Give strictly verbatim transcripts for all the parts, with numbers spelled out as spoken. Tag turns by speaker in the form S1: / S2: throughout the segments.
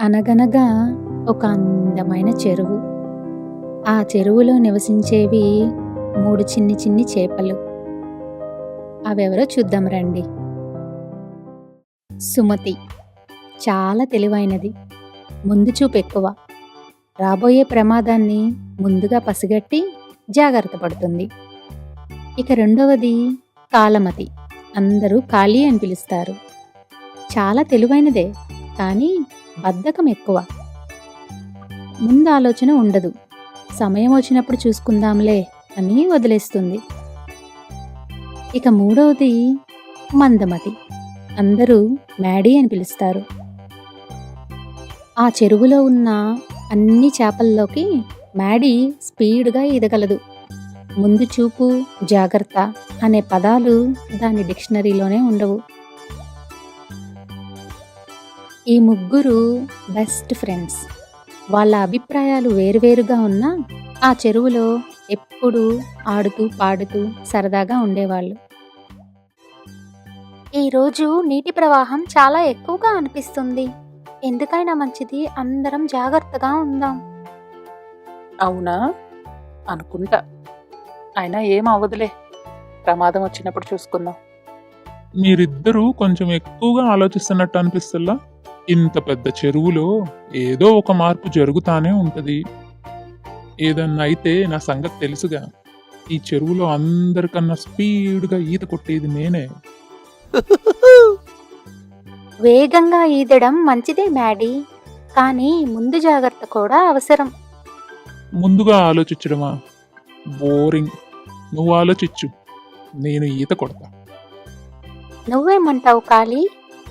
S1: అనగనగా ఒక అందమైన చెరువు. ఆ చెరువులో నివసించేవి మూడు చిన్ని చిన్ని చేపలు. అవెవరో చూద్దాం రండి. సుమతి చాలా తెలివైనది, ముందు చూపు ఎక్కువ, రాబోయే ప్రమాదాన్ని ముందుగా పసిగట్టి జాగ్రత్త పడుతుంది. ఇక రెండవది కాలమతి, అందరూ కాళీ అని పిలుస్తారు. చాలా తెలివైనదే, కానీ బద్ధకం ఎక్కువ. ముందు ఆలోచన ఉండదు, సమయం వచ్చినప్పుడు చూసుకుందాంలే అని వదిలేస్తుంది. ఇక మూడవది మందమతి, అందరూ మ్యాడీ అని పిలుస్తారు. ఆ చెరువులో ఉన్న అన్ని చేపల్లోకి మ్యాడీ స్పీడ్గా ఈదగలదు. ముందు చూపు, జాగ్రత్త అనే పదాలు దాని డిక్షనరీలోనే ఉండవు. ఈ ముగ్గురు బెస్ట్ ఫ్రెండ్స్. వాళ్ళ అభిప్రాయాలు వేరువేరుగా ఉన్నా ఆ చెరువులో ఎప్పుడూ ఆడుతూ పాడుతూ సరదాగా ఉండేవాళ్ళు. ఈరోజు నీటి ప్రవాహం చాలా ఎక్కువగా అనిపిస్తుంది. ఎందుకైనా మంచిది అందరం జాగ్రత్తగా ఉందాం.
S2: అవునా అనుకుంటా. అయినా ఏం అవ్వదులే, ప్రమాదం వచ్చినప్పుడు చూసుకుందాం.
S3: మీరిద్దరూ కొంచెం ఎక్కువగా ఆలోచిస్తున్నట్టు అనిపిస్తుందా? ఇంత పెద్ద చెరువులో ఏదో ఒక మార్పు జరుగుతానే ఉంటది. ఏదన్నా అయితే నా సంగతి తెలుసుగా. ఈ చెరువులో అందరికన్నా స్పీడ్గా ఈత కొట్టేది నేనే.
S1: వేగంగా ఈదడం మంచిదే మ్యాడీ, కానీ ముందు జాగ్రత్త కూడా అవసరం.
S3: ముందుగా ఆలోచించడమా? బోరింగ్. నువ్వు ఆలోచించు, నేను ఈత కొడతా.
S1: నువ్వేమంటావు కాళీ?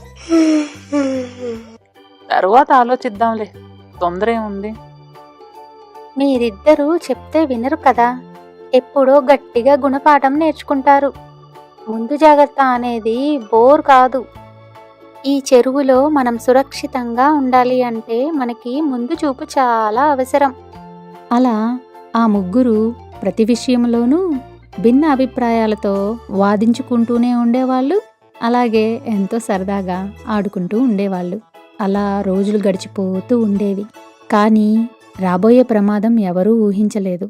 S2: తర్వాత ఆలోచిద్దాంలే, తొందర ఏముంది.
S1: మీరిద్దరూ చెప్తే వినరు కదా, ఎప్పుడో గట్టిగా గుణపాఠం నేర్చుకుంటారు. ముందు జాగ్రత్త అనేది బోర్ కాదు. ఈ చెరువులో మనం సురక్షితంగా ఉండాలి అంటే మనకి ముందు చూపు చాలా అవసరం. అలా ఆ ముగ్గురు ప్రతి విషయంలోనూ భిన్న అభిప్రాయాలతో వాదించుకుంటూనే ఉండేవాళ్ళు. అలాగే ఎంతో సరదాగా ఆడుకుంటూ ఉండేవాళ్ళు. అలా రోజులు గడిచిపోతూ ఉండేవి. కానీ రాబోయే ప్రమాదం ఎవరూ ఊహించలేదు.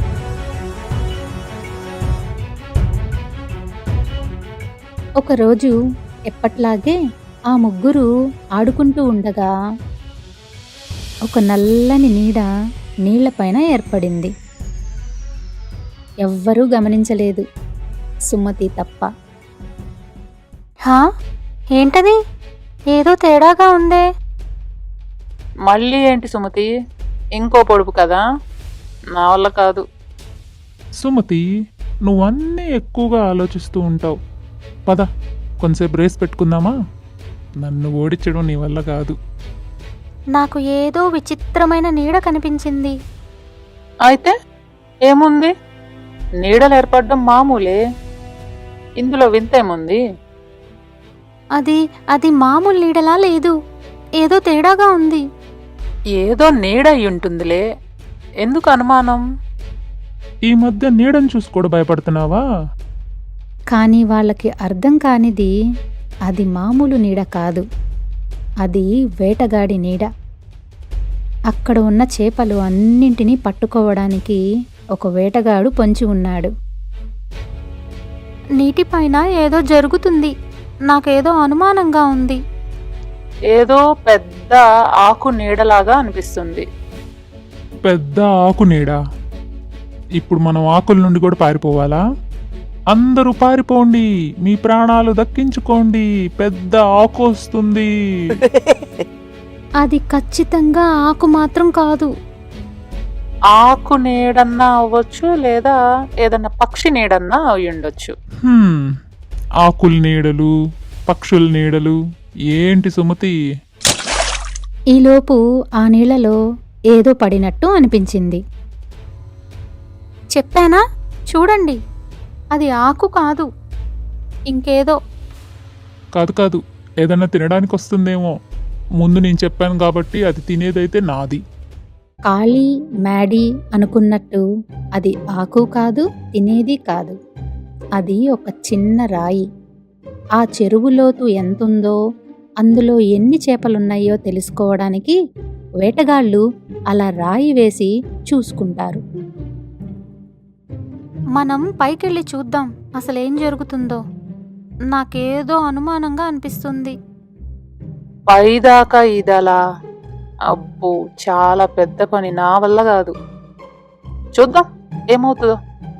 S1: ఒకరోజు ఎప్పట్లాగే ఆ ముగ్గురు ఆడుకుంటూ ఉండగా ఒక నల్లని నీడ నీళ్లపైన ఏర్పడింది. ఎవ్వరూ గమనించలేదు, సుమతి తప్ప. హా, ఏంటది? ఏదో తేడాగా ఉందే.
S2: మళ్ళీ ఏంటి సుమతి? ఇంకో పొడుపు కదా, నా వల్ల కాదు.
S3: సుమతి, నువ్వన్నీ ఎక్కువగా ఆలోచిస్తూ ఉంటావు. పద, కొంచెంసేపు రేస్ పెట్టుకుందామా? నన్ను ఓడించడం నీ వల్ల కాదు.
S1: నాకు ఏదో విచిత్రమైన నీడ కనిపించింది.
S2: అయితే ఏముంది, నీడలు ఏర్పడడం మామూలే, ఇందులో వింతేముంది?
S1: అది అది మామూలు నీడలా లేదు, ఏదో తేడాగా ఉంది.
S2: ఏదో నీడ అయి ఉంటుందిలే, ఎందుకు అనుమానం?
S3: ఈ మధ్య నీడని చూసి కూడా భయపడుతున్నావా?
S1: కానీ వాళ్ళకి అర్థం కానిది, అది మామూలు నీడ కాదు, అది వేటగాడి నీడ. అక్కడ ఉన్న చేపలు అన్నింటినీ పట్టుకోవడానికి ఒక వేటగాడు పొంచి ఉన్నాడు. నీటిపైన ఏదో జరుగుతుంది, నాకేదో అనుమానంగా ఉంది.
S2: ఏదో పెద్ద ఆకు నీడలాగా అనిపిస్తుంది.
S3: పెద్ద ఆకు నీడ? ఇప్పుడు మనం ఆకుల నుండి కూడా పారిపోవాలా? అందరూ పారిపోండి, మీ ప్రాణాలు దక్కించుకోండి, పెద్ద ఆకు వస్తుంది.
S1: అది ఖచ్చితంగా ఆకు మాత్రం కాదు.
S2: ఆకు నీడన్నా అవ్వచ్చు, లేదా ఏదన్నా పక్షి నీడన్నా అయి ఉండొచ్చు.
S3: హ్మ్, ఆకుల నీడలు, పక్షుల నీడలు ఏంటి సుమతి?
S1: ఈలోపు ఆ నీళ్లలో ఏదో పడినట్టు అనిపించింది. చెప్పానా, చూడండి, అది ఆకు కాదు, ఇంకేదో.
S3: కాదు కాదు, ఏదన్నా తినడానికి వస్తుందేమో. ముందు నేను చెప్పాను కాబట్టి అది తినేదైతే నాది.
S1: కాళీ, మ్యాడీ అనుకున్నట్టు అది ఆకు కాదు, తినేది కాదు. అది ఒక చిన్న రాయి. ఆ చెరువు లోతు ఎంతుందో అందులో ఎన్ని చేపలున్నాయో తెలుసుకోవడానికి వేటగాళ్ళు అలా రాయి వేసి చూసుకుంటారు. మనం పైకెళ్ళి చూద్దాం అసలేం జరుగుతుందో. నాకేదో అనుమానంగా అనిపిస్తుంది.
S2: పైదాకా ఈదలా? అబ్బో, చాలా పెద్ద పని, నా వల్ల కాదు. చూద్దాం ఏమవుతుందో.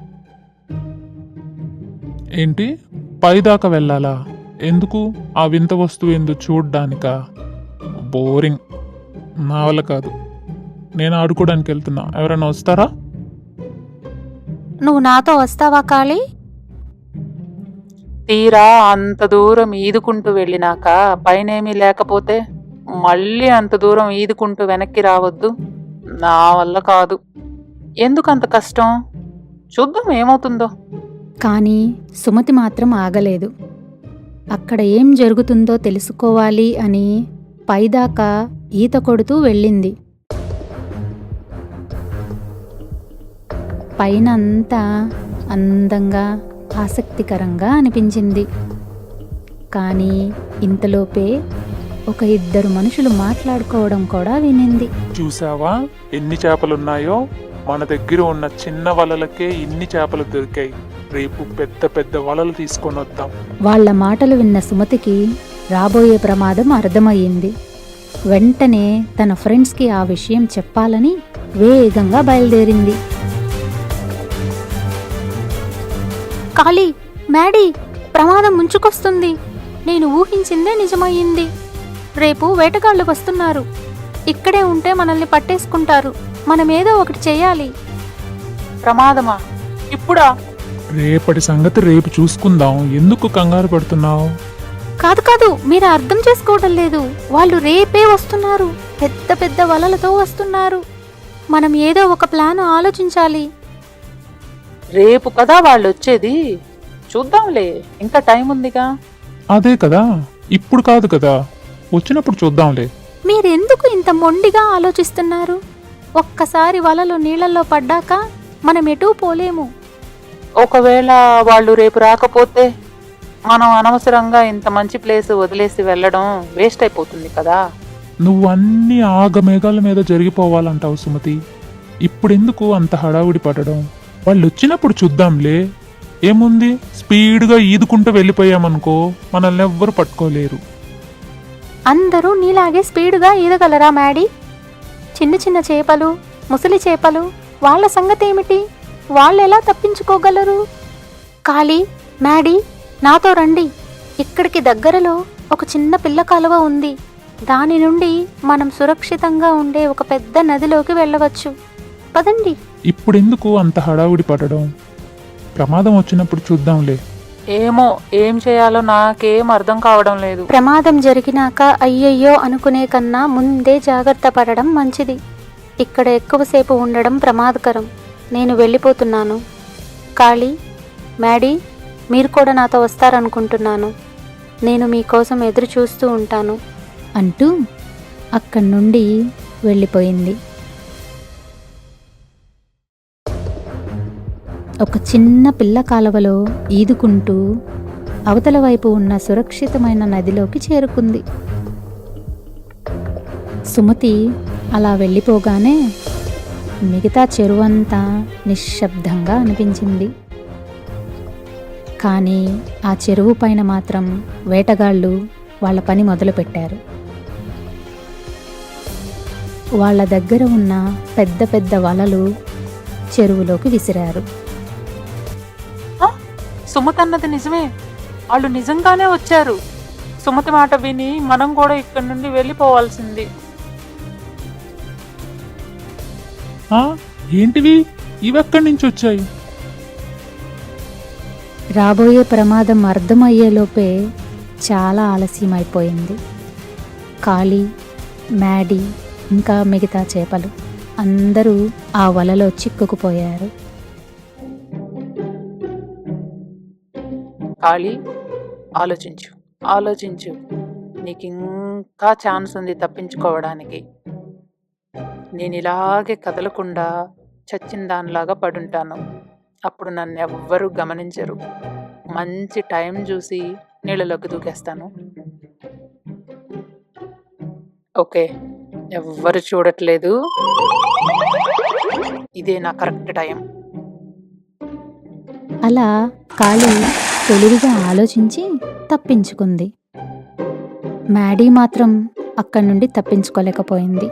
S3: ఏంటి పైదాకా వెళ్ళాలా? ఎందుకు? ఆ వింత వస్తువు ఎందుకు చూడ్డానికా? బోరింగ్, నా వల్ల కాదు. నేను ఆడుకోవడానికి వెళ్తున్నా, ఎవరైనా వస్తారా?
S1: నువ్వు నాతో వస్తావా కాళీ?
S2: తీరా అంత దూరం ఈదుకుంటూ వెళ్ళినాక పైనేమీ లేకపోతే మళ్ళీ అంత దూరం ఈదుకుంటూ వెనక్కి రావద్దు, నా వల్ల కాదు. ఎందుకు అంత కష్టం? చూద్దాం ఏమవుతుందో.
S1: కానీ సుమతి మాత్రం ఆగలేదు. అక్కడ ఏం జరుగుతుందో తెలుసుకోవాలి అని పైదాకా ఈత కొడుతూ వెళ్ళింది. పైన అంతా అందంగా ఆసక్తికరంగా అనిపించింది. కానీ ఇంతలోపే ఒక ఇద్దరు మనుషులు మాట్లాడుకోవడం కూడా వినింది.
S3: చూసావా ఎన్ని చేపలున్నాయో? మన దగ్గర ఉన్న చిన్న వలలకే ఇన్ని చేపలు దొరికాయి. రేపు పెద్ద పెద్ద వలలు తీసుకొని వద్దాం.
S1: వాళ్ళ మాటలు విన్న సుమతికి రాబోయే ప్రమాదం అర్థమయ్యింది. వెంటనే తన ఫ్రెండ్స్కి ఆ విషయం చెప్పాలని వేగంగా బయలుదేరింది. కాళీ, మ్యాడీ, ప్రమాదం ముంచుకొస్తుంది. నేను ఊహించిందే నిజమయ్యింది. రేపు వేటగాళ్ళు వస్తున్నారు. ఇక్కడే ఉంటే మనల్ని పట్టేసుకుంటారు. మనమేదో ఒకటి చెయ్యాలి.
S2: ప్రమాదమా? ఇప్పుడా?
S3: రేపటి సంగతి రేపు చూసుకుందాం. ఎందుకు కంగారు పడుతున్నావు?
S1: కాదు కాదు, మీరు అర్థం చేసుకోవడం లేదు. వాళ్ళు రేపే వస్తున్నారు. పెద్ద పెద్ద వలలతో వస్తున్నారు. మనం ఏదో ఒక ప్లాన్ ఆలోచించాలి.
S2: రేపు కదా వాళ్ళు వచ్చేది. చూద్దాంలే, ఇంకా టైం ఉందిగా.
S3: అదే కదా, ఇప్పుడు కాదు కదా, వచ్చినప్పుడు చూద్దాంలే.
S1: మీరెందుకు ఇంత మొండిగా ఆలోచిస్తున్నారు? ఒక్కసారి వలలు నీళ్ళల్లో పడ్డాక మనం ఎటూ పోలేము.
S2: ఒకవేళ వాళ్ళు రేపు రాకపోతే మనం అనవసరంగా ఇంత మంచి ప్లేస్ వదిలేసి వెళ్ళడం వేస్ట్ అయిపోతుంది కదా.
S3: నువ్వు అన్ని ఆగమేఘాల మీద జరిగిపోవాలంటావు సుమతి. ఇప్పుడెందుకు అంత హడావుడి పడడం? వాళ్ళు వచ్చినప్పుడు చూద్దాంలే. ఏముంది, స్పీడ్గా ఈదుకుంటూ వెళ్ళిపోయామనుకో మనల్ని ఎవ్వరు పట్టుకోలేరు.
S1: అందరూ నీలాగే స్పీడుగా ఈదగలరా మ్యాడీ? చిన్న చిన్న చేపలు, ముసలి చేపలు, వాళ్ళ సంగతేమిటి? వాళ్ళెలా తప్పించుకోగలరు? కాళీ, మ్యాడీ, నాతో రండి. ఇక్కడికి దగ్గరలో ఒక చిన్న పిల్ల కాలువ ఉంది. దాని నుండి మనం సురక్షితంగా ఉండే ఒక పెద్ద నదిలోకి వెళ్ళవచ్చు. పదండి.
S3: ఇప్పుడెందుకు అంత హడావుడి పడడం? ప్రమాదం వచ్చినప్పుడు చూద్దాంలే.
S2: ఏమో, ఏం చేయాలో నాకేం అర్థం కావడం లేదు.
S1: ప్రమాదం జరిగినాక అయ్యయ్యో అనుకునే కన్నా ముందే జాగ్రత్త పడడం మంచిది. ఇక్కడ ఎక్కువసేపు ఉండడం ప్రమాదకరం. నేను వెళ్ళిపోతున్నాను. కాళీ, మ్యాడీ, మీరు కూడా నాతో వస్తారనుకుంటున్నాను. నేను మీకోసం ఎదురు చూస్తూ ఉంటాను అంటూ అక్కడి నుండి వెళ్ళిపోయింది. ఒక చిన్న పిల్ల కాలువలో ఈదుకుంటూ అవతల వైపు ఉన్న సురక్షితమైన నదిలోకి చేరుకుంది. సుమతి అలా వెళ్ళిపోగానే మిగతా చెరువంతా నిశ్శబ్దంగా అనిపించింది. కానీ ఆ చెరువు పైన మాత్రం వేటగాళ్ళు వాళ్ళ పని మొదలుపెట్టారు. వాళ్ళ దగ్గర ఉన్న పెద్ద పెద్ద వలలు చెరువులోకి విసిరారు.
S2: సుమతి అన్నది నిజమే, వాళ్ళు నిజంగానే వచ్చారు. సుమతి మాట విని మనం కూడా ఇక్కడి నుండి వెళ్ళిపోవాల్సింది.
S3: ఆ, ఏంటివి? ఇవెక్కడి నుంచి వచ్చాయి?
S1: రాబోయే ప్రమాదం అర్థమయ్యేలోపే చాలా ఆలస్యమైపోయింది. కాళీ, మ్యాడీ, ఇంకా మిగతా చేపలు అందరూ ఆ వలలో చిక్కుకుపోయారు.
S2: కాళీ, ఆలోచించు ఆలోచించు నీకు ఇంకా ఛాన్స్ ఉంది తప్పించుకోవడానికి. నేను ఇలాగే కదలకుండా చచ్చిన దానిలాగా పడుంటాను. అప్పుడు నన్ను ఎవ్వరూ గమనించరు. మంచి టైం చూసి నీళ్ళలోకి దూకేస్తాను. ఓకే, ఎవ్వరు చూడట్లేదు. ఇదే నా కరెక్ట్ టైం.
S4: అలా కాళీ తెలివిగా ఆలోచించి తప్పించుకుంది. మ్యాడీ మాత్రం అక్కడి నుండి తప్పించుకోలేకపోయింది.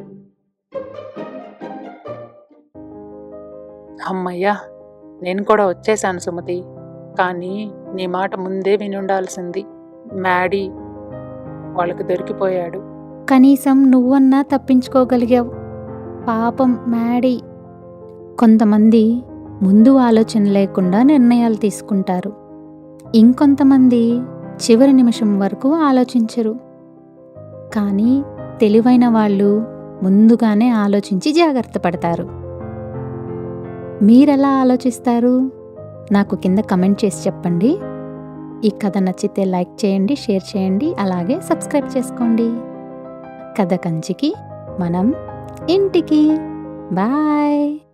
S2: అమ్మయ్యా, నేను కూడా వచ్చేసాను సుమతి. కానీ నీ మాట ముందే వినుండాల్సింది. మ్యాడీ వాళ్ళకి దొరికిపోయాడు.
S4: కనీసం నువ్వన్నా తప్పించుకోగలిగావు. పాపం మ్యాడీ. కొంతమంది ముందు ఆలోచన లేకుండా నిర్ణయాలు తీసుకుంటారు. ఇంకొంతమంది చివరి నిమిషం వరకు ఆలోచించరు. కానీ తెలివైన వాళ్ళు ముందుగానే ఆలోచించి జాగ్రత్త పడతారు. మీరెలా ఆలోచిస్తారు? నాకు కింద కమెంట్ చేసి చెప్పండి. ఈ కథ నచ్చితే లైక్ చేయండి, షేర్ చేయండి, అలాగే సబ్స్క్రైబ్ చేసుకోండి. కథ కంచికి మనం ఇంటికి. బాయ్.